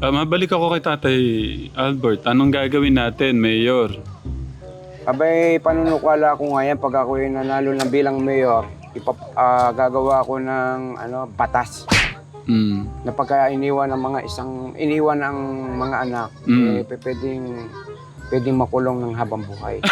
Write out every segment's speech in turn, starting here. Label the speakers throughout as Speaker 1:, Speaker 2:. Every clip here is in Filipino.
Speaker 1: Mabalik ako kay Tatay Albert. Anong gagawin natin, Mayor?
Speaker 2: Abay, panunukala ko ngayon pag ako yung nanalo ng bilang mayor, gagawa ko ng batas
Speaker 1: Mm.
Speaker 2: na pagka iniwan ng mga anak, pwedeng makulong ng habang buhay.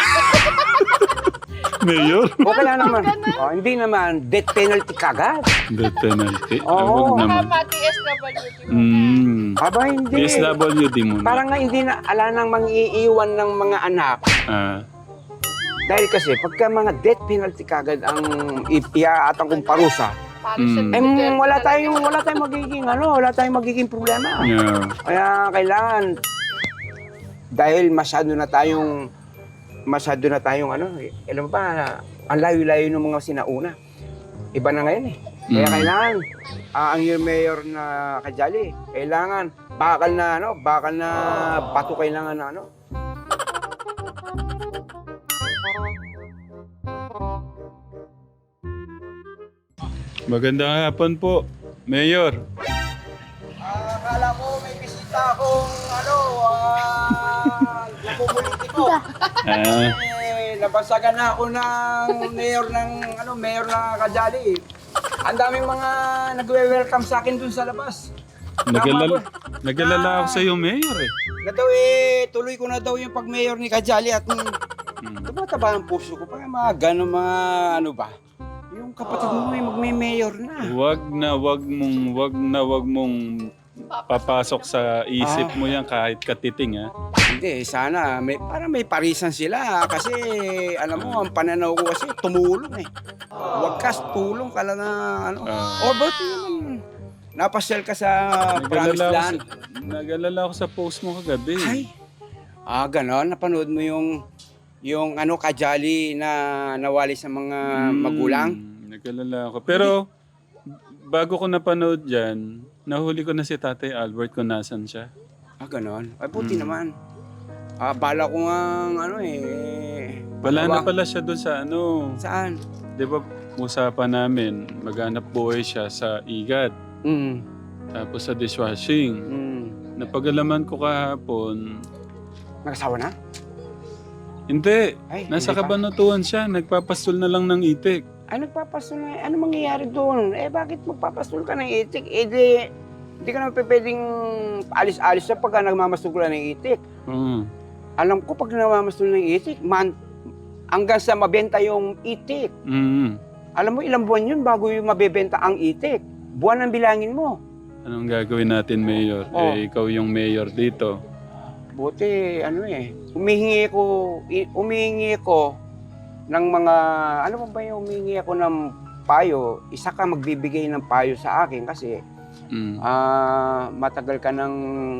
Speaker 1: Mayor?
Speaker 2: Okay lang naman. Hindi naman death penalty kagad.
Speaker 1: Death penalty?
Speaker 2: Oo.
Speaker 1: Huwag naman.
Speaker 3: Tama, TSW.
Speaker 2: Aba, hindi.
Speaker 1: PSWD muna.
Speaker 2: Parang nga hindi na ala nang mangiiwan ng mga anak.
Speaker 1: Ah.
Speaker 2: Dahil kasi pagka mga death penalty kagad ang iaatang kong parusa, wala tayong magiging problema.
Speaker 1: Yeah.
Speaker 2: Kaya kailangan dahil masyado na tayong alam mo ba, ang layo-layo ng mga sinauna. Iba na ngayon eh. Kaya kailangan ang yung mayor na Kajali, kailangan bakal na bato kailangan na
Speaker 1: Magandang hapon po, Mayor.
Speaker 2: Akala ko may bisita akong namumuliti ko. Nabasagan na ako ng mayor na Kajali. Ang daming mga nagwe-welcome sa akin dun sa labas.
Speaker 1: Nag-alala ako sa iyo, Mayor eh.
Speaker 2: Na daw tuloy ko na daw yung pag-mayor ni Kajali at tumataba ang puso ko. Parang mga gano'n yung kapatid mo ay magme-mayor na.
Speaker 1: Wag na wag mong papasok sa isip mo yan kahit katiting ha.
Speaker 2: Hindi, sana parang may parisan sila kasi alam mo, ang pananaw ko kasi tumulong eh. Wagkas tulong ka lang na o ba't naman napasyal ka sa Promised Land?
Speaker 1: Nag-alala ako sa post mo kagabi.
Speaker 2: Ay, ganon, napanood mo yung Kajali na nawali sa mga magulang?
Speaker 1: Nag-alala ako. Pero bago ko napanood yan, nahuli ko na si Tatay Albert kung nasan siya.
Speaker 2: Ganon. Ay, buti naman. Bala ko nga
Speaker 1: Wala na pala siya doon sa
Speaker 2: Saan?
Speaker 1: Di ba usapan namin, maghanap buhay siya sa igat. Tapos sa dishwashing. Napag-alaman ko kahapon.
Speaker 2: Nakasawa na?
Speaker 1: Hindi.
Speaker 2: Ay,
Speaker 1: Nasa
Speaker 2: hindi pa.
Speaker 1: kabanatuan siya. Nagpapastol na lang ng itik.
Speaker 2: Ay, nagpapastol na. Ano mangyayari doon? Bakit magpapastol ka ng itik? Hindi ka naman pwedeng alis-alis na pagka nagmamastol ka ng itik. Alam ko pag nagmamastol ng itik, hanggang sa mabenta yung itik. Alam mo, ilang buwan yun bago yung mabebenta ang itik. Buwan ang bilangin mo.
Speaker 1: Anong gagawin natin, Mayor? Ikaw yung mayor dito.
Speaker 2: Buti, humihingi ko ng mga, humihingi ako ng payo. Isa ka magbibigay ng payo sa akin kasi matagal ka ng,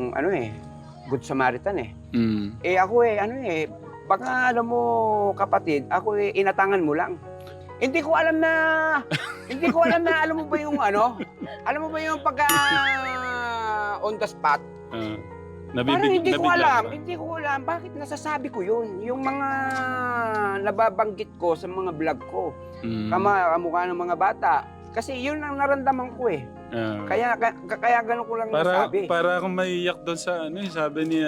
Speaker 2: Good Samaritan eh. Ako baka alam mo kapatid, ako inatangan mo lang. Hindi ko alam na, alam mo ba yung pagka on the spot? Parang hindi ko alam bakit nasasabi ko yun. Yung mga nababanggit ko sa mga vlog ko, kamukha ng mga bata. Kasi yun ang naramdaman ko eh. Kaya gano'n ko lang nasabi.
Speaker 1: Para akong maiyak doon sa sabi ni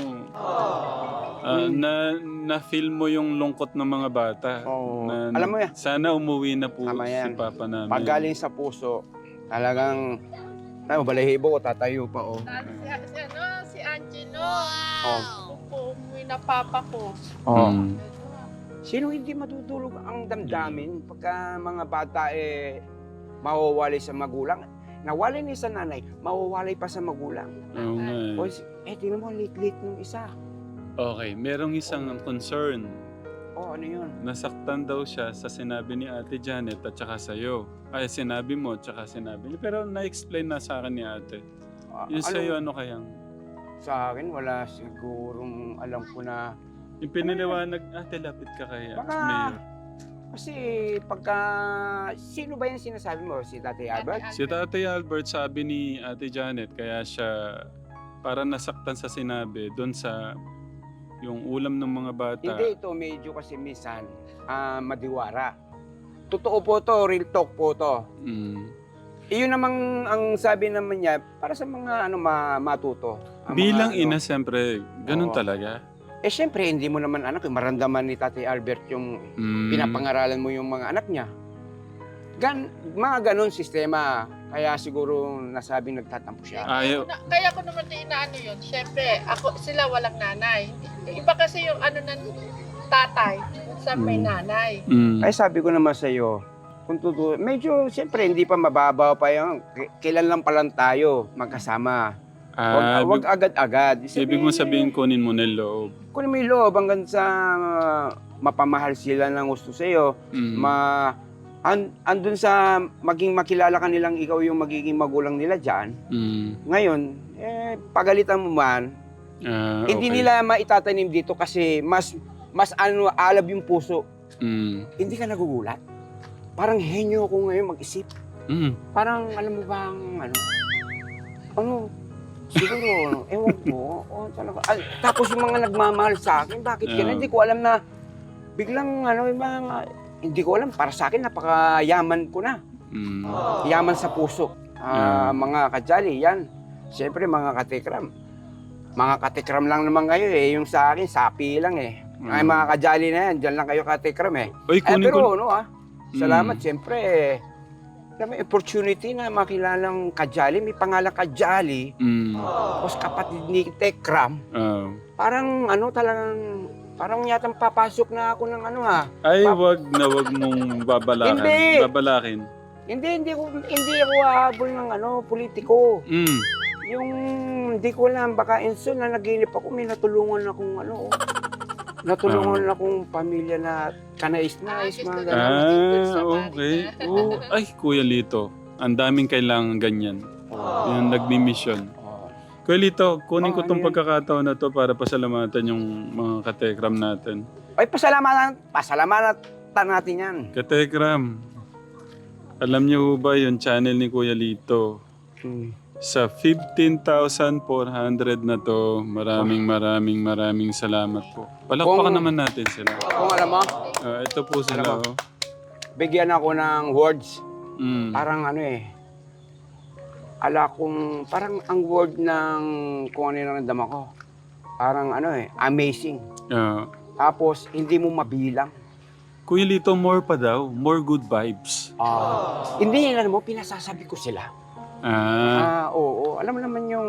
Speaker 1: na-feel mo yung lungkot ng mga bata.
Speaker 2: Alam mo yan.
Speaker 1: Sana umuwi na po si Papa namin.
Speaker 2: Pag galing sa puso, talagang balahibo ko, tatayo pa
Speaker 3: Si Angelo. Umuwi na papa ko.
Speaker 2: Sino hindi matutulog ang damdamin pagka mga bata mawawalay sa magulang? Nawalay ni sa nanay, mawawalay pa sa magulang.
Speaker 1: Oo nga.
Speaker 2: Tingnan mo, late nung isa.
Speaker 1: Okay, merong isang concern.
Speaker 2: Ano yun?
Speaker 1: Nasaktan daw siya sa sinabi ni Ate Janet at saka sa'yo. Ay, sinabi mo at saka sinabi niya. Pero na-explain na sa akin ni Ate. Yung sa'yo, ano kayang?
Speaker 2: Sa akin, wala sigurong alam ko na.
Speaker 1: Yung piniliwanag, Ate, lapit ka kaya.
Speaker 2: Baka,
Speaker 1: Mayor.
Speaker 2: kasi pagka, sino ba yung sinasabi mo? Si Tatay Albert?
Speaker 1: Si Tatay Albert sabi ni Ate Janet, kaya siya para nasaktan sa sinabi doon sa yung ulam ng mga bata.
Speaker 2: Hindi, ito medyo kasi minsan madiwara. Totoo po to, real talk po to. Iyon namang ang sabi naman niya para sa mga matuto. Ang
Speaker 1: Bilang
Speaker 2: mga,
Speaker 1: ina, siyempre, ganun
Speaker 2: Oo.
Speaker 1: talaga.
Speaker 2: Siyempre, hindi mo naman anak, maramdaman ni Tatay Albert yung pinapangaralan mo yung mga anak niya. Mga ganun sistema. Kaya siguro nasabing nagtatampo siya.
Speaker 1: Ayaw.
Speaker 3: Kaya ko naman din inaano yun. Siyempre, sila walang nanay. Iba kasi yung ano ng tatay sa may nanay.
Speaker 2: Kaya sabi ko naman sa iyo, kung medyo siyempre hindi pa mababaw pa yung kailan lang pa lang tayo magkasama. Wag agad-agad.
Speaker 1: Ibig mo sabihin, kunin mo na yung loob.
Speaker 2: Kunin mo yung loob hanggang sa mapamahal sila ng gusto sa iyo. Andun sa maging makilala ka nilang ikaw yung magiging magulang nila dyan. Ngayon, pagalitan mo man, hindi nila maitatanim dito kasi mas alab yung puso. Hindi ka nagugulat. Parang henyo ko ngayon mag-isip. Parang alam mo bang siguro, ewan ko. Talaga. Tapos yung mga nagmamahal sa akin, bakit ganun? Hindi ko alam na biglang hindi ko alam, para sa akin napakayaman ko na. Yaman sa puso. Mga kajali, yan. Siyempre mga katikram. Mga katikram lang naman kayo yung sa akin, sapi lang Ay mga kajali na yan, dyan lang kayo katikram
Speaker 1: Uy,
Speaker 2: pero salamat siyempre may opportunity na makilalang kajali, may pangalan kajali. Tapos kapatid ni Tekram. Parang parang yatang papasok na ako ng
Speaker 1: Ay, wag mong babalakin.
Speaker 2: Hindi ako habol ng politiko. Yung hindi ko alam, baka inso na naginip ako, may natulungan akong natulungan akong pamilya na kanais-nais, mga gano'n.
Speaker 1: Okay. Ay, Kuya Lito, ang daming kailangan ganyan. Yung nagmi-mission. Kuya Lito, kunin ko tong pagkakataon na to para pasalamatan yung mga katekram natin.
Speaker 2: Ay, pasalamatan natin yan.
Speaker 1: Katekram, alam niyo ba yung channel ni Kuya Lito? Sa 15,400 na to, maraming salamat po. Palakpakan naman natin sila.
Speaker 2: Kung alam mo,
Speaker 1: Ito po sila.
Speaker 2: bigyan ako ng words. Parang parang ang word ng kung ano yung nandama ko. Parang amazing. Tapos, hindi mo mabilang.
Speaker 1: Kuya Lito, more pa daw. More good vibes.
Speaker 2: Hindi yan, pinasasabi ko sila. Oo. Alam mo naman yung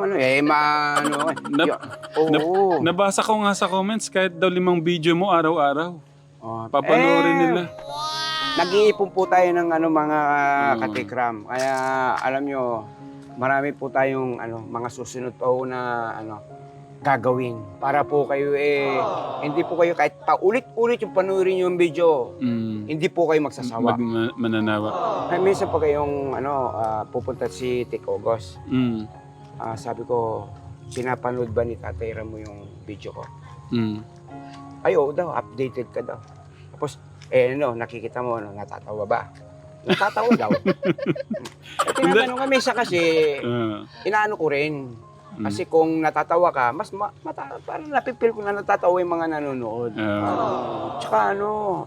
Speaker 1: Nabasa ko nga sa comments, kahit daw 5 video mo araw-araw. Papanoorin nila.
Speaker 2: Nag-iipon po tayo ng mga katikram. Kaya alam nyo, marami po tayong mga susunod pa na gagawin. Para po kayo hindi po kayo kahit paulit-ulit yung panoorin yung video, hindi po kayo magsasawa.
Speaker 1: Mananawa.
Speaker 2: Ay, minsan pa kayong pupunta si Tikogos. Sabi ko, sinapanood ba ni Tatay Ram mo yung video ko? Ay, oo daw, updated ka daw. Tapos, nakikita mo, natatawa ba? Natatawa daw. Tinatanong kami siya kasi, inaano ko rin. Kasi kung natatawa ka, mas parang napipil ko na natatawa yung mga nanonood. Tsaka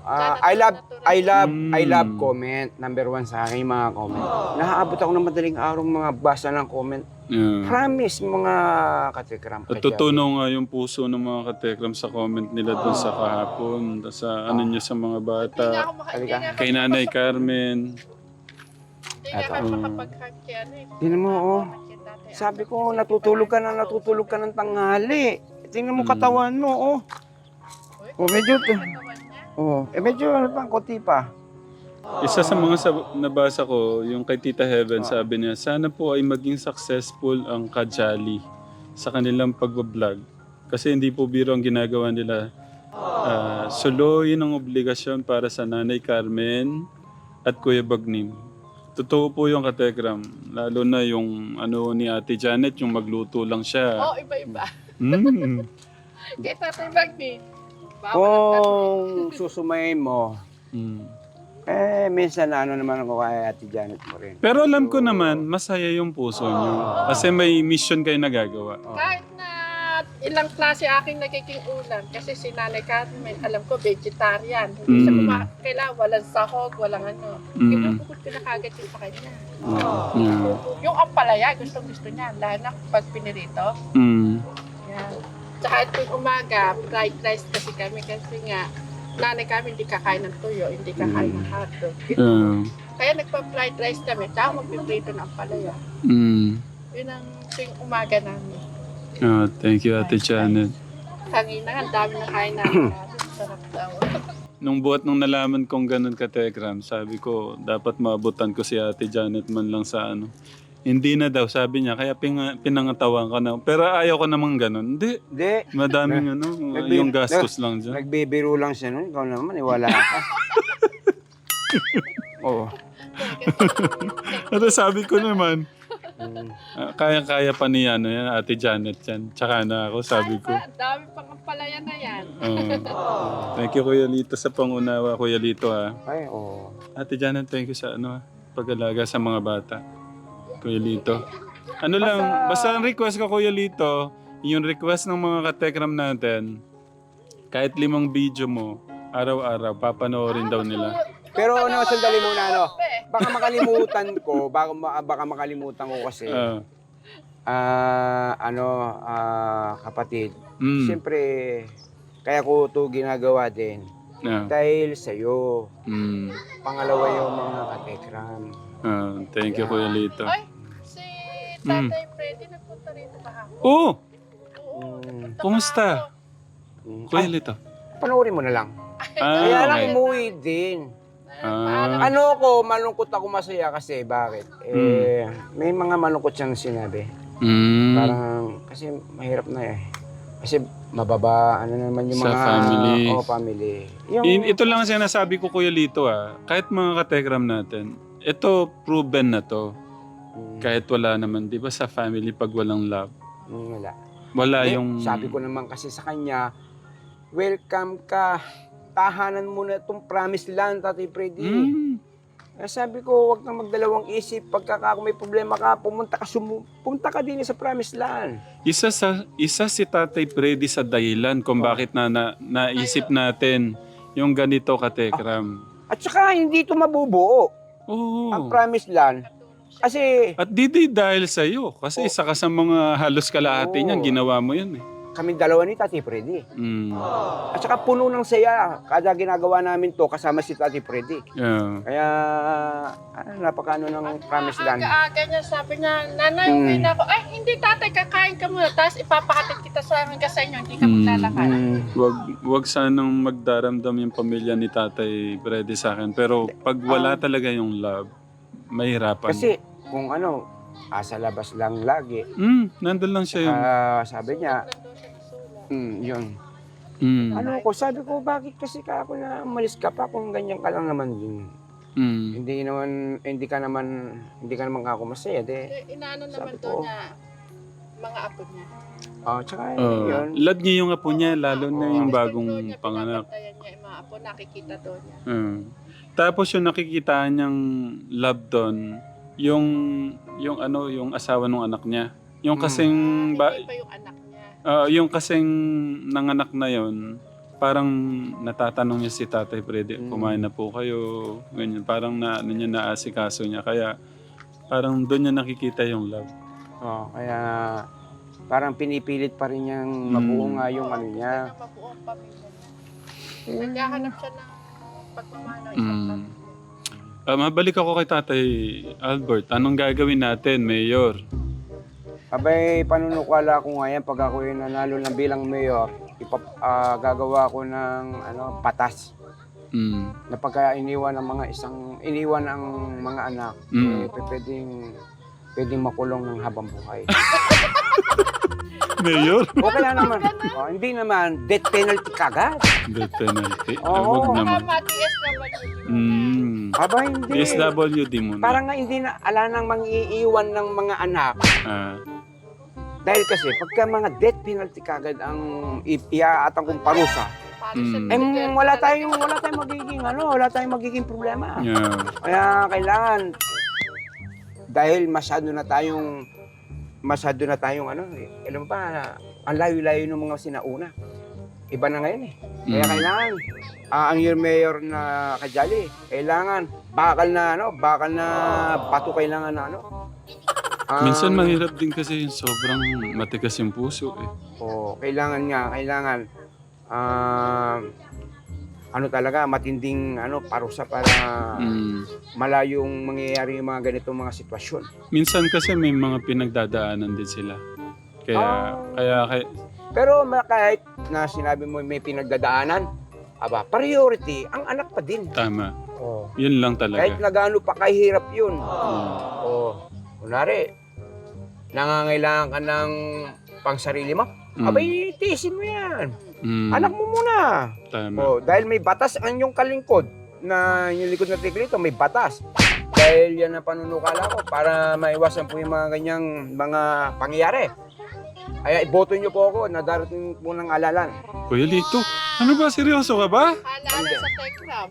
Speaker 2: I love comment. Number 1 sa akin yung mga comment. Naaabot ako ng madaling araw mga basa ng comment. Promise mga katekram.
Speaker 1: At tutunaw nga yung puso ng mga katekram sa comment nila doon sa kahapon. Sa niyo sa mga bata. Kay Nanay Carmen.
Speaker 3: Hindi naman makapag-heart kaya
Speaker 2: Tingnan mo, sabi ko, natutulog ka ng tanghali. Tingnan mo katawan mo, medyo konti pa.
Speaker 1: Isa sa mga nabasa ko, yung kay Tita Heaven, sabi niya, sana po ay maging successful ang Kajali sa kanilang pag-vlog. Kasi hindi po biro ang ginagawa nila. Suluyin ang obligasyon para sa Nanay Carmen at Kuya Bagnim. Totoo po yung katekram. Lalo na yung ni Ate Janet, yung magluto lang siya.
Speaker 3: Iba-iba. Kaya Tatay Bagni.
Speaker 2: Kung susumayin mo, minsan naman ako kay Ate Janet mo rin.
Speaker 1: Pero alam ko naman, masaya yung puso niyo. Kasi may mission kayo nagagawa.
Speaker 3: Kahit na ilang klase aking nagiging ulam. Kasi si Nanay Carmen, alam ko, vegetarian. Hindi siya kailangan walang sahog, walang ano. Pinupukot ko na kagad yun sa kanya. Yung ampalaya, gusto niya. Lalo na pag pinirito. Yan. Tsaka itong umaga, fried rice kasi kami. Kasi nga, Nanay Carmen hindi kakain ng tuyo, hindi kakain ng hotdog. Kaya nagpa-fried rice kami. Tsaka magpiprito ng ampalaya. Yun ang tuwing umaga namin.
Speaker 1: Thank you, Ate Janet.
Speaker 3: Kanina, ang dami na kain namin. Sarap daw.
Speaker 1: Nung nalaman kong ganun ka-Tekram, sabi ko, dapat maabutan ko si Ate Janet man lang sa ano. Hindi na daw, sabi niya, kaya pinangatawan ka na. Pero ayaw ko namang ganun. Hindi. Madaming yung gastos lang dyan.
Speaker 2: Nagbibiro lang siya nun. Ikaw naman, wala ka. Oo.
Speaker 1: Pero sabi ko naman, kaya-kaya pa ni yan, Ate Janet yan. Tsaka na ako, sabi ko.
Speaker 3: Ang dami pang ampalaya na yan.
Speaker 1: Thank you, Kuya Lito, sa pangunawa, Kuya Lito, ha.
Speaker 2: Ay, oo.
Speaker 1: Ate Janet, thank you sa pag-alaga sa mga bata. Kuya Lito. Ano lang, basta ang request ko, Kuya Lito, yung request ng mga katekram natin, kahit 5 video mo, araw-araw, papanoorin daw nila.
Speaker 2: Pero sandali muna, baka makalimutan ko, baka makalimutan ko kasi, kapatid, siyempre, kaya ko ito ginagawa din, dahil sa'yo, pangalawa yung mga katekram.
Speaker 1: Thank you, Kuya Lito.
Speaker 3: Ay, si Tatay Freddy nagpunta rito kahapon.
Speaker 1: Oo!
Speaker 3: Kumusta?
Speaker 1: Kuya Lito.
Speaker 2: Panoorin mo na lang. Kaya lang umuwi din. Malungkot ako masaya kasi bakit? May mga malungkot siyang sinabi. Parang, kasi mahirap na Kasi mababa, naman yung
Speaker 1: sa
Speaker 2: mga...
Speaker 1: family.
Speaker 2: Family.
Speaker 1: Ito lang ang sinasabi ko, Kuya Lito, kahit mga katekram natin, ito proven na to. Kahit wala naman, di ba sa family pag walang love?
Speaker 2: Wala.
Speaker 1: Wala yung...
Speaker 2: Sabi ko naman kasi sa kanya, welcome ka. Tahanan mo na itong promised land, Tatay Freddy. Sabi ko, huwag kang magdalawang isip. Pagka kung may problema ka, pumunta ka din sa promised land.
Speaker 1: Isa si Tatay Freddy sa dahilan kung bakit naisip natin yung ganito katekram.
Speaker 2: At saka, hindi ito mabubuo.
Speaker 1: Oo.
Speaker 2: Ang promised land. Kasi...
Speaker 1: At di dahil sa'yo. Kasi isa ka sa mga halos kalahati niyan, ginawa mo yan
Speaker 2: Kami dalawa ni Tatay Freddy. At saka puno ng saya. Kada ginagawa namin to kasama si Tatay Freddy. Kaya napakano ng promised land.
Speaker 3: Aga niya, sabi niya, Nanay, uwi na ako. Ay, hindi tatay, kakain ka muna. Tapos ipapakatid kita sa amin kasi inyo, hindi ka maglalakad.
Speaker 1: Wag sanang magdaramdam yung pamilya ni Tatay Freddy sa akin. Pero pag wala talaga yung love, mahirapan.
Speaker 2: Kasi kung sa labas lang lagi.
Speaker 1: Nandun lang siya yun.
Speaker 2: Sabi niya, yun. Sabi ko, bakit kasi ako na umalis ka pa kung ganyan ka lang naman yun. Hindi ka naman ako masaya.
Speaker 3: Inaano naman doon na mga apo niya.
Speaker 2: Tsaka yun.
Speaker 1: Love niya yung apo niya, lalo na yung bagong panganak.
Speaker 3: Pinabantayan niya yung mga apo, nakikita doon niya.
Speaker 1: Tapos yung nakikita niyang love doon, yung asawa ng anak niya. Yung kasing...
Speaker 3: Hindi pa yung anak niya.
Speaker 1: Yung kasing nanganak na yon, parang natatanong niya si Tatay Freddy, kumain na po kayo, ganyan. Parang naasikaso niya. Kaya parang doon niya nakikita yung love.
Speaker 2: Kaya parang pinipilit pa rin niyang mabuo nga yung niya.
Speaker 3: Mabuong pamilya niya. Naghahanap siya ng pagmamahal ng isang pamilya.
Speaker 1: Mabalik ako kay Tatay Albert. Anong gagawin natin, Mayor?
Speaker 2: Abay, panunukala ko nga yan pag ako yung nanalo ng bilang mayor, gagawa ko ng patas. Na pagka iniwan ng mga anak, pwedeng makulong ng habang buhay.
Speaker 1: Mayor?
Speaker 2: Okay lang naman. Hindi naman, death penalty kagad.
Speaker 1: Death penalty?
Speaker 2: Oo.
Speaker 1: Wag naman.
Speaker 2: Aba, hindi.
Speaker 1: DSWD muna.
Speaker 2: Parang nga hindi na ala nang mangiiwan ng mga anak. Dahil kasi pagka mga death penalty kagad ang iaatang kong parusa, wala tayong magiging problema. Kaya kailangan dahil masyado na tayong alam ba, ang layo-layo ng mga sinauna. Iba na ngayon eh. Kaya
Speaker 1: Mm.
Speaker 2: kailangan, ang your mayor na Kajali, kailangan bakal na bato kailangan na ano.
Speaker 1: Minsan mahirap din kasi yung sobrang matigas yung puso eh.
Speaker 2: Kailangan talaga matinding parusa para malayong mangyayari yung mga ganitong mga sitwasyon.
Speaker 1: Minsan kasi may mga pinagdadaanan din sila. Kaya
Speaker 2: Pero kahit na sinabi mo may pinagdadaanan, priority ang anak pa din.
Speaker 1: tama.
Speaker 2: Oh.
Speaker 1: Yun lang talaga.
Speaker 2: Kahit na gaano pa kahirap yun.
Speaker 1: Mm.
Speaker 2: Kunwari, nangangailangan ka ng pangsarili mo, abay, tiisin mo yan. Anak mo muna.
Speaker 1: Tama.
Speaker 2: Dahil may batas ang iyong kalingkod, na yung likod na tiklito, may batas. Dahil yan ang panunukala ko para maiwasan po yung mga ganyang mga pangyayari. Kaya iboto niyo po ako na darating po ng alalan.
Speaker 1: Kuya Lito, ano ba? Seryoso ka ba?
Speaker 3: Alala sa Tekram.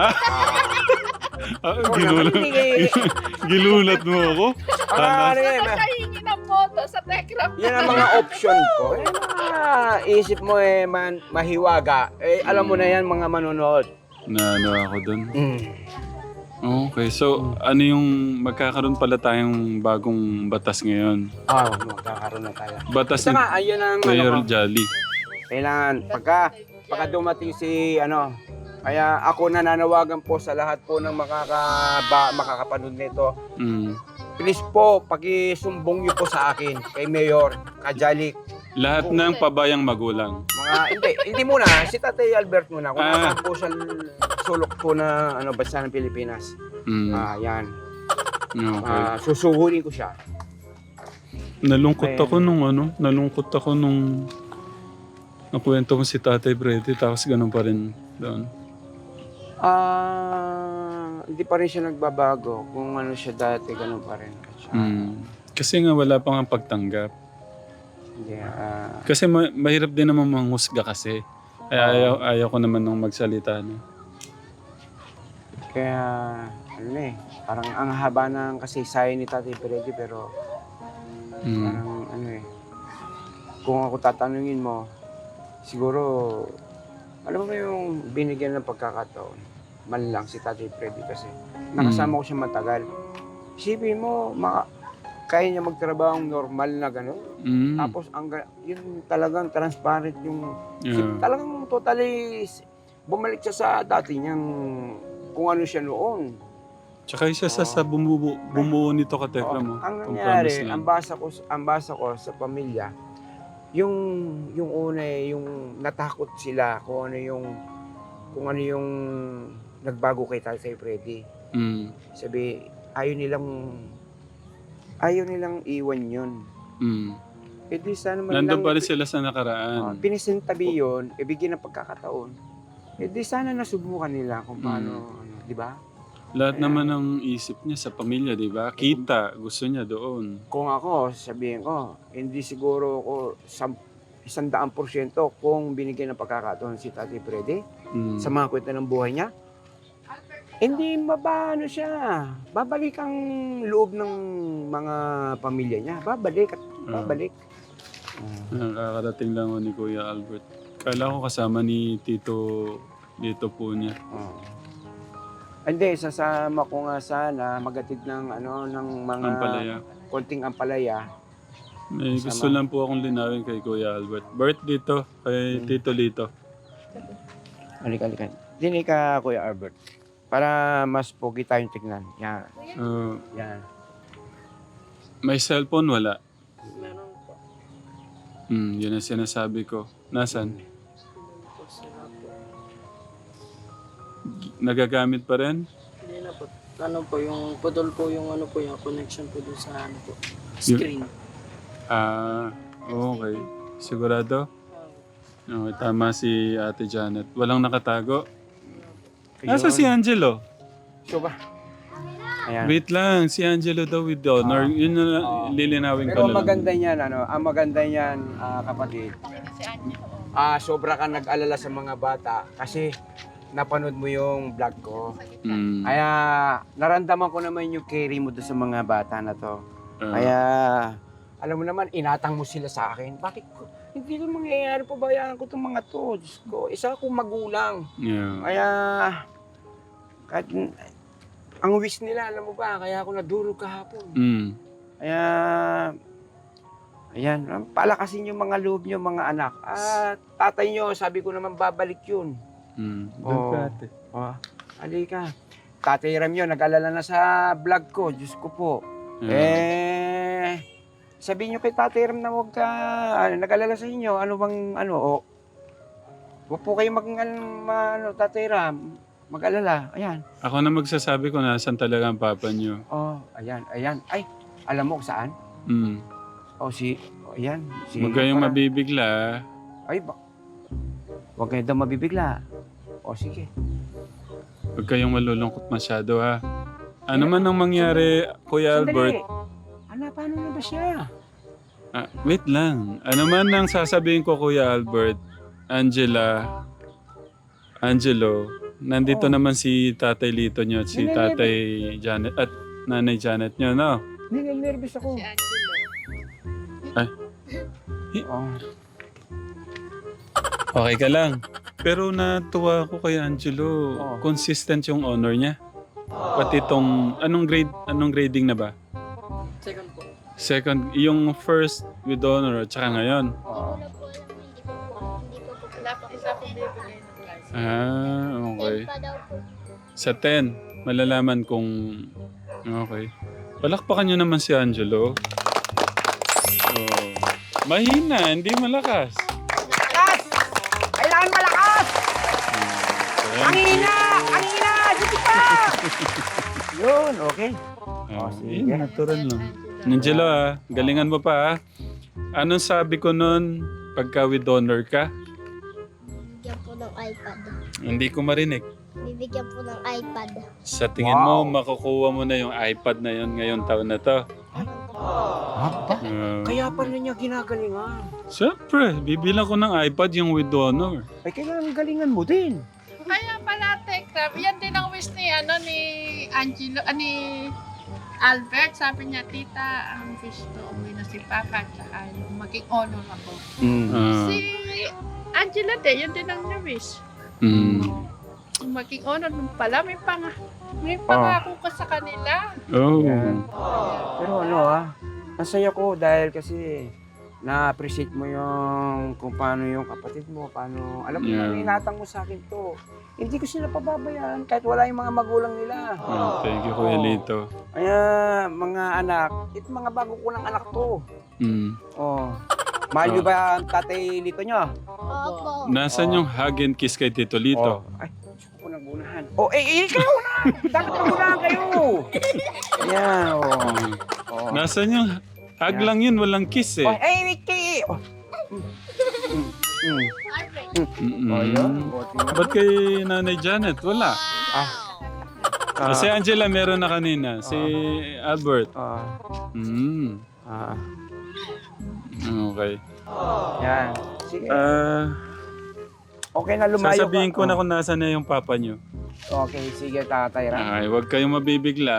Speaker 1: Ginulat mo ako?
Speaker 3: Nakahingi ng boto sa Tekram.
Speaker 2: Yan ang mga option ko. Isip mo mahiwaga. Alam mo na yan mga manonood.
Speaker 1: Ano ako dun? Okay, so ano yung magkakaroon pala tayong bagong batas ngayon?
Speaker 2: Magkakaroon na tayo.
Speaker 1: Batas ni
Speaker 2: Saka, ayun ang
Speaker 1: Mayor Jolly.
Speaker 2: kailangan, pagka dumating si kaya ako nananawagan po sa lahat po ng makakapanood nito. Please po, pakisumbong niyo po sa akin, kay Mayor Kajali.
Speaker 1: Lahat ng pabayang magulang.
Speaker 2: Hindi muna, si Tatay Albert muna. Kung ano po sa sulok po na bansa ng Pilipinas. Yan.
Speaker 1: Okay.
Speaker 2: Susuhurin ko siya.
Speaker 1: Nalungkot ako nung nakwento ko si Tatay Freddy tapos ganun pa rin doon.
Speaker 2: Hindi pa rin siya nagbabago. Kung ano siya dati, ganun pa rin.
Speaker 1: Kasi nga wala pang pagtanggap.
Speaker 2: Hindi,
Speaker 1: Kasi mahirap din naman manghusga kasi. Kaya ayaw ko naman nung magsalita. No?
Speaker 2: Kaya, parang ang haba ng kasaysayan ni Tatay Freddy, pero parang kung ako tatanungin mo, siguro, alam mo yung binigyan ng pagkakataon, man lang si Tatay Freddy kasi nakasama ko siya matagal. Isipin mo, kaya niya magtrabaho ng normal na gano'n. Tapos, yun talagang transparent yung, talagang totally, bumalik siya sa dati niyang, kung ano siya noon.
Speaker 1: Tsaka isa sa bumuo nito Katekra mo.
Speaker 2: Ang nangyari, ang basa ko sa pamilya, yung una yung natakot sila kung ano yung nagbago kay Tatay Freddy. Sabi, ayaw nilang iwan yun. Di sana man
Speaker 1: nandun
Speaker 2: lang,
Speaker 1: pa rin sila sa nakaraan.
Speaker 2: pinisintabi yun, ibigyan ng pagkakataon. Di sana nasubukan nila kung paano, di ba?
Speaker 1: Lahat naman ng isip niya sa pamilya, di ba? Kita, gusto niya doon.
Speaker 2: Kung ako, sabihin ko, hindi siguro ako 100% kung binigyan ng pagkakataon si Tatay Freddy sa mga kwento ng buhay niya. Hindi mabano siya. Babalik ang loob ng mga pamilya niya. Babalik.
Speaker 1: Nakakarating lang ako ni Kuya Albert. Kala ko kasama ni Tito po niya.
Speaker 2: Hindi, sasama ko nga sana magatid ng mga
Speaker 1: Ampalaya.
Speaker 2: konting ampalaya.
Speaker 1: May gusto lang po akong linawin kay Kuya Albert. Bert dito, kay Tito Lito.
Speaker 2: Halika. Dini ka, Kuya Albert. Para mas pogi tayong tignan. Yan. Yan.
Speaker 1: May cellphone, wala.
Speaker 3: Meron po.
Speaker 1: Yun ang sinasabi ko. Nasaan? Nagagamit pa rin?
Speaker 4: Hindi na po. Yung putol po yung yung connection po dun sa screen.
Speaker 1: Okay. Sigurado? Okay, tama si Ate Janet. Walang nakatago? Nasa si Angelo?
Speaker 2: So ba? Ayan.
Speaker 1: Wait lang, si Angelo daw with honor. Yun na lilinawin ko
Speaker 2: Pero
Speaker 1: lang.
Speaker 2: ang maganda niyan, kapatid,
Speaker 3: Si Anya.
Speaker 2: sobra ka nag-alala sa mga bata kasi napanood mo yung vlog ko. Kaya naramdaman ko naman yung carry mo doon sa mga bata na to. Kaya Alam mo naman, inatang mo sila sa akin. Bakit ko? Hindi ko mangyayari, pabayaan ko itong mga to. Diyos ko, isa akong magulang.
Speaker 1: Yeah.
Speaker 2: Kaya, kahit, ang wish nila, alam mo ba, kaya ako nadurog kahapon.
Speaker 1: Mm.
Speaker 2: Kaya, ayan, palakasin yung mga loob nyo, mga anak. At tatay nyo, sabi ko naman, babalik yun.
Speaker 1: Mm.
Speaker 2: Oo.
Speaker 1: Doon ka, ate.
Speaker 2: Halika. Tatay Ram yun, nag-alala na sa vlog ko. Diyos ko po. Sabihin nyo kay Tatay Ram na huwag ka, nag-alala sa inyo, ano bang, huwag po kayo Tatay Ram, mag-alala, ayan.
Speaker 1: Ako na magsasabi ko nasan talaga ang papa niyo.
Speaker 2: Ayan. Ay, alam mo kung saan?
Speaker 1: Mm.
Speaker 2: Ayan.
Speaker 1: Huwag kayong mabibigla.
Speaker 2: Huwag kayo daw mabibigla. Sige.
Speaker 1: Huwag kayong malulungkot masyado ha. Ano man ang mangyari, Kuya Albert?
Speaker 2: Paano na ba siya?
Speaker 1: Wait lang. Ano man ang sasabihin ko, Kuya Albert, Angelo, nandito naman si Tatay Lito niyo at si Tatay Janet at Nanay Janet niyo, no?
Speaker 2: Nervous ako.
Speaker 3: Si Angelo.
Speaker 1: Okay ka lang. Pero natuwa ako kay Angelo. Consistent yung honor niya. Pati itong, anong grading na ba?
Speaker 4: Second po.
Speaker 1: Second, yung first with honor at saka ngayon.
Speaker 3: Wala po alam, hindi ko po. Wala pa isa po bibigay ng class.
Speaker 1: Okay.
Speaker 3: Pa daw po.
Speaker 1: Sa 10, malalaman kung... Okay. Palakpakan nyo naman si Angelo. Mahina, hindi malakas.
Speaker 2: Malakas! Kailangan malakas! Ang hina! Dito pa! Yun, okay. Sige.
Speaker 1: Natural lang. Angelo galingan mo pa Anong sabi ko nun pagka with honor ka?
Speaker 5: Bibigyan po ng iPad.
Speaker 1: Hindi ko marinig.
Speaker 5: Bibigyan po ng iPad.
Speaker 1: Sa tingin mo, makukuha mo na yung iPad na yun ngayong taon na to.
Speaker 2: Kaya pala niya ginagalingan.
Speaker 1: Siyempre, bibilang ko ng iPad yung with honor.
Speaker 2: Ay, kailangan galingan mo din.
Speaker 3: Kaya pala, Tekram, yan din ang wish ni Angelo, ni Albert. Sabi niya, tita, ang wish ko, umuwi na si Papa, at saka yung maging honor ako. Si Angela din, yun din ang wish. Yung maging honor nung pala, may pangako ka sa kanila.
Speaker 2: Yan. Pero ang saya ko dahil kasi na-appreciate mo yung kung paano yung kapatid mo, paano, alam mo yung inatang mo sa akin to. Hindi ko sila pababayaan kahit wala yung mga magulang nila.
Speaker 1: Thank you, Kuya Lito.
Speaker 2: Kaya mga anak, ito mga bago ko ng anak to. Mahal nyo ba ang tatay Lito nyo?
Speaker 5: Opo.
Speaker 1: Nasaan yung hug and kiss kay Tito Lito?
Speaker 2: Ay, gusto ko nagunahan. Ikaw na! Dapat nagunahan kayo! Ayan,
Speaker 1: Nasaan yung hug lang yun, walang kiss eh.
Speaker 2: Wiki!
Speaker 1: Ba't kay Nanay Janet? Wala. Si Angela meron na kanina. Si Albert. Okay.
Speaker 2: Yan. Sige. Okay na, lumayo
Speaker 1: Sasabihin
Speaker 2: ka.
Speaker 1: ko na kung nasa na yung papa nyo.
Speaker 2: Okay, sige, Tatay Ram.
Speaker 1: Ay, huwag kayong mabibigla.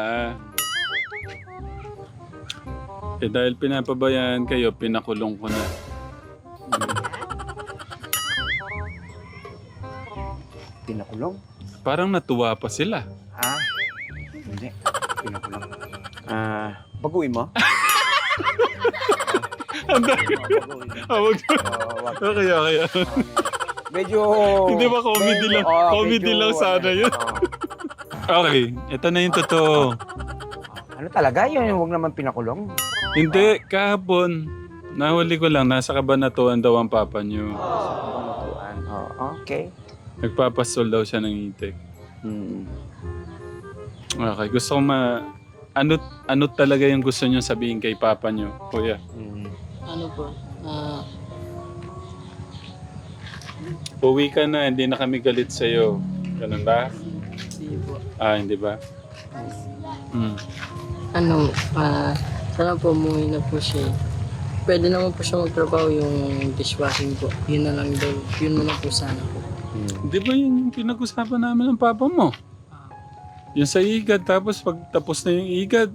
Speaker 1: Dahil pinapabayaan kayo, pinakulong ko na.
Speaker 2: Pinakulong?
Speaker 1: Parang natuwa pa sila.
Speaker 2: Hindi. Pinakulong. Baguhin mo?
Speaker 1: Wag. Okay.
Speaker 2: Medyo...
Speaker 1: Hindi ba comedy lang? Comedy lang sana yun. Okay, ito na yung totoo.
Speaker 2: Ano talaga yun? Huwag naman pinakulong.
Speaker 1: Hindi, kahapon, nahuli ko lang, nasa kabanatuan daw ang papa niyo.
Speaker 2: Okay.
Speaker 1: Nagpapastol daw siya ng itik. Okay, gusto ko ano talaga yung gusto niyo sabihin kay papa niyo, kuya?
Speaker 4: Ano po?
Speaker 1: Uwi ka na, hindi na kami galit sa'yo. Ganun ba?
Speaker 4: Sige po.
Speaker 1: Hindi ba?
Speaker 4: Sana po umuwi na po siya. Pwede naman po siya magtrabaho yung dishwashing po. Yun na lang daw. Yun na lang po sana po.
Speaker 1: Di ba yun yung pinag-usapan namin ng papa mo? Yung sa igad, tapos pag tapos na yung igad,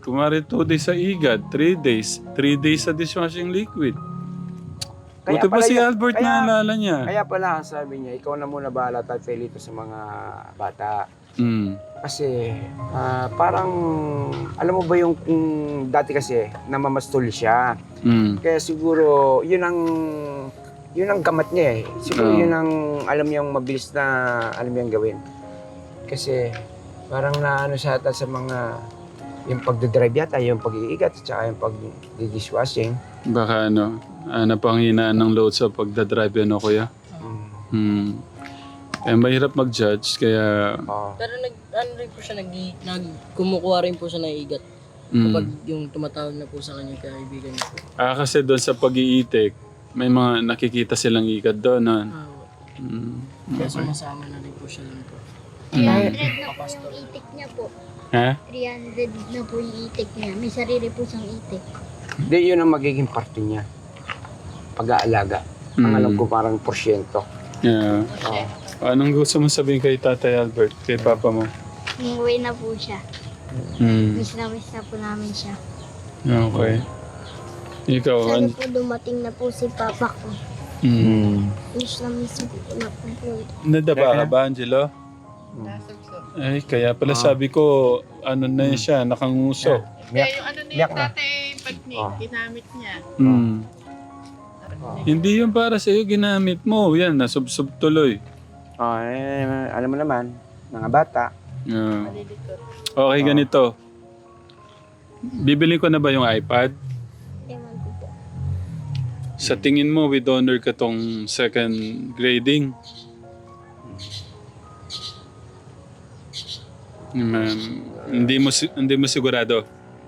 Speaker 1: Kumari 2 days sa igad, 3 days. 3 days sa dishwashing liquid.
Speaker 2: Kaya
Speaker 1: Buti pa
Speaker 2: pala
Speaker 1: si
Speaker 2: yun-
Speaker 1: Albert
Speaker 2: kaya-
Speaker 1: naalala niya.
Speaker 2: Kaya pala, sabi niya, ikaw na muna bahala tatay Lito sa mga bata.
Speaker 1: Mm.
Speaker 2: Kasi parang, alam mo ba yung kung dati kasi namamastol siya.
Speaker 1: Mm.
Speaker 2: Kaya siguro, yun ang gamat niya eh. Siguro
Speaker 1: Oo.
Speaker 2: yun ang alam niyang mabilis na alam niyang gawin. Kasi parang naano siya ata sa mga, yung pagdadrive yata, yung pag-iigat, at saka yung pag-dishwashing.
Speaker 1: Baka napanghinaan ng load sa pagdadrive ano kuya? Hmm. Eh, mahirap mag-judge kaya...
Speaker 2: Oo.
Speaker 4: Pero rin po siya, kumukuha rin po siya ng igat. Kapag yung tumatawag na po sa kanya kaibigan niya po.
Speaker 1: kasi doon sa pag-iitik, may mga nakikita silang ikat doon.
Speaker 4: Kaya sumasama na rin po siya lang po.
Speaker 5: 300 na po yung itik niya po.
Speaker 1: Ha?
Speaker 5: 300 na po yung itik niya. May sarili po siyang itik.
Speaker 2: Hindi, yun ang magiging parte niya. Pag-aalaga. Ang alam ko parang porsyento.
Speaker 1: Yeah.
Speaker 2: Oo.
Speaker 1: Anong gusto mo sabihin kay Tatay Albert, kay Papa mo?
Speaker 5: Umuwi na po siya.
Speaker 1: Hmm.
Speaker 5: Miss na po namin siya.
Speaker 1: Okay. Ikaw,
Speaker 5: Sana po dumating na po si Papa ko. Miss po na po.
Speaker 1: nadaba ka ba, Angelo?
Speaker 3: Nasugso.
Speaker 1: Ay, kaya pala sabi ko, ano na siya, nakanguso.
Speaker 3: Kaya yung ano na
Speaker 2: Miyak
Speaker 3: yung
Speaker 2: na.
Speaker 3: tatay pagnig, ginamit niya.
Speaker 1: Hmm. Hindi yung para sa'yo, ginamit mo. Yan, nasubsob tuloy.
Speaker 2: Alam mo naman, mga bata.
Speaker 1: Yeah.
Speaker 3: Malilitot.
Speaker 1: Okay, ganito. Bibili ko na ba yung iPad?
Speaker 5: Ewan ko po.
Speaker 1: Sa tingin mo, with honor ka tong second grading? Hindi mo sigurado?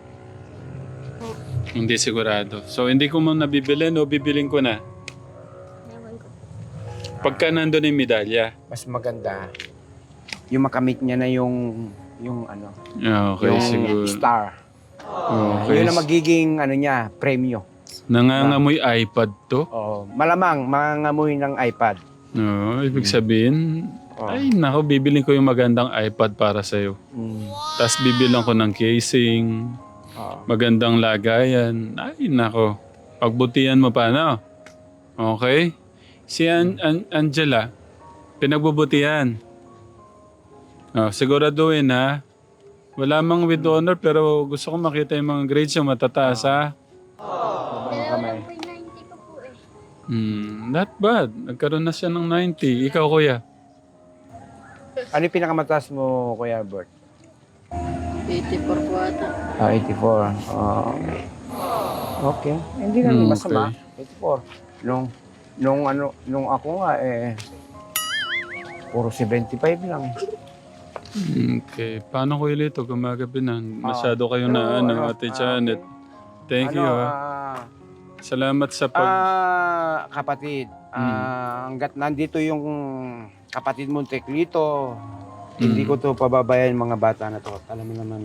Speaker 1: Hindi sigurado. So, hindi ko mo nabibilin o bibilin ko na?
Speaker 5: Ewan ko po.
Speaker 1: Pagka nandun yung medalya.
Speaker 2: Mas maganda, yung makamit niya na yung ano,
Speaker 1: Okay,
Speaker 2: yung
Speaker 1: siguro.
Speaker 2: star.
Speaker 1: Okay.
Speaker 2: Yun ang magiging ano niya, premyo.
Speaker 1: Nangangamoy iPad to?
Speaker 2: Malamang mangangamoy ng iPad.
Speaker 1: No, ibig sabihin,
Speaker 2: Oh.
Speaker 1: ay nako, bibilin ko yung magandang iPad para sa'yo. Tapos bibilang ko ng casing, magandang lagayan. Ay nako, pagbutihan mo pa, no? Okay? Si Angela, pinagbubutihan. Siguraduhin ha. Wala mang with honor pero gusto ko makita yung mga grades yung matataas ha.
Speaker 5: Dalawa lang po yung 90 ko po eh.
Speaker 1: Not bad. Nagkaroon na siya ng 90. Ikaw kuya?
Speaker 2: Ano yung pinakamataas mo, Kuya Albert?
Speaker 4: 84 po ata.
Speaker 2: 84. Okay. Hindi naman masama.
Speaker 1: Okay.
Speaker 2: 84. Nung ako nga puro 75 lang.
Speaker 1: Okay. Paano ko ilito? Gumagabi na. Masyado kayo na Ate Janet. Thank you ha. Salamat sa
Speaker 2: Kapatid, hanggat nandito yung kapatid mong Teklito, hindi ko to pababayan mga bata na to. Alam mo naman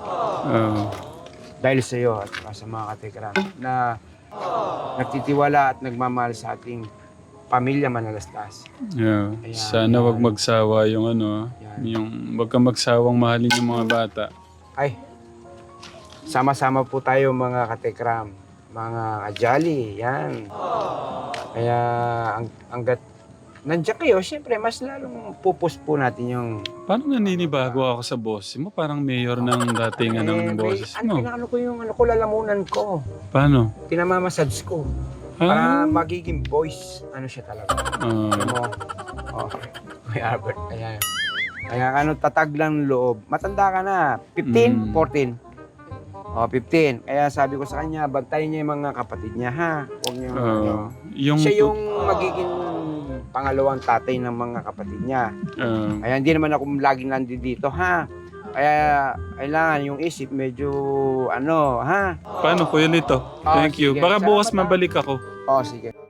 Speaker 2: dahil sa iyo at sa mga katekram na nagtitiwala at nagmamahal sa ating pamilya Manalastas.
Speaker 1: Yeah.
Speaker 2: Ayan,
Speaker 1: Sana wag
Speaker 2: yan.
Speaker 1: magsawa yung yung wag kang magsawang mahalin yung mga bata.
Speaker 2: Ay, sama-sama po tayo mga katekram, mga kajali, yan. Kaya hanggat nandiyan kayo, siyempre mas lalong pupus po natin yung...
Speaker 1: Parang naninibago ako sa boss mo. Parang mayor ng datingan ng boses mo.
Speaker 2: Pinakano ko yung lalamunan ko.
Speaker 1: Paano?
Speaker 2: Pinamamassage ko. Para magiging voice, ano siya talaga. Alam mo? May Albert. Kaya tatag lang loob. Matanda ka na. 15, 14. 15. Kaya sabi ko sa kanya, bantayan niya yung mga kapatid niya, ha? Huwag niyo, siya yung magiging pangalawang tatay ng mga kapatid niya. Kaya hindi naman ako laging nandito, ha? Kaya kailangan yung isip medyo ha?
Speaker 1: Paano Kuya Lito? Thank you.
Speaker 2: Sige.
Speaker 1: Baka bukas
Speaker 2: Salamat,
Speaker 1: mabalik ako.
Speaker 2: Sige.